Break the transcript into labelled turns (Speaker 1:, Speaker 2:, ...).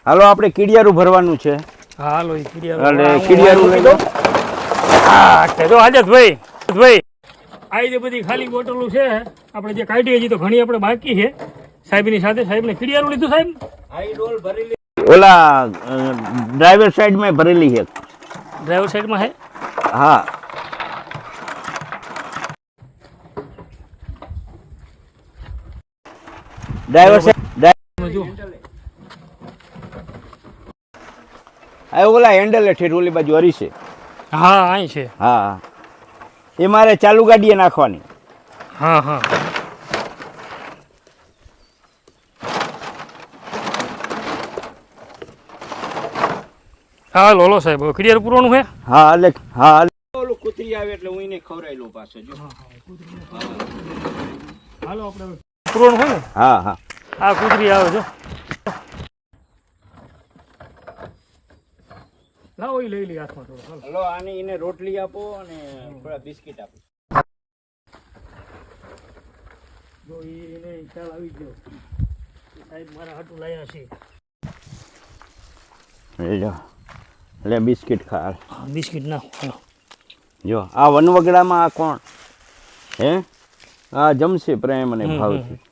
Speaker 1: હાલો આપણે કીડિયારું ભરવાનું છે.
Speaker 2: હાલો એ
Speaker 1: એટલે કીડિયારું લઈ લો.
Speaker 2: હા જો આજતભાઈ આ જે બધી ખાલી બોટલો છે આપણે જે કાઢી હજી તો ઘણી આપણે બાકી છે સાહેબની સાથે. સાહેબને કીડિયારું લીધું સાહેબ?
Speaker 1: ઓલા ડ્રાઈવર સાઈડ માં ભરેલી છે.
Speaker 2: ડ્રાઈવર સાઈડમાં છે?
Speaker 1: હા ડ્રાઈવર સાઈડ
Speaker 2: જો
Speaker 1: આ ઓલા હેન્ડલ હેઠળ ઓલી બાજુ હરી છે.
Speaker 2: હા અહીં છે.
Speaker 1: હા એ મારે ચાલુ ગાડીએ નાખવાની.
Speaker 2: હા હા હા લોલો સાહેબ ક્લિયર પૂરવાનું છે.
Speaker 1: હા એટલે હા ઓલું કૂતરી આવે એટલે હું એને ખવડાવી લઉં પાછો. જો
Speaker 2: હાલો આપણે પૂરવાનું હોય ને.
Speaker 1: હા હા
Speaker 2: આ કૂતરી આવે જો. લાવો એ લઈ લઈ હાથમાં થોડો.
Speaker 1: હલો આની એને રોટલી આપો અને થોડા બિસ્કિટ આપો.
Speaker 2: જો એને ખ્યાલ આવી ગયો સાહેબ મારા હાટું લાયા છે.
Speaker 1: એટલે બિસ્કિટ ખા.
Speaker 2: બિસ્કિટ નાખો.
Speaker 1: જો આ વનવગડામાં આ કોણ હે? આ જમશે પ્રેમ અને ભાવથી.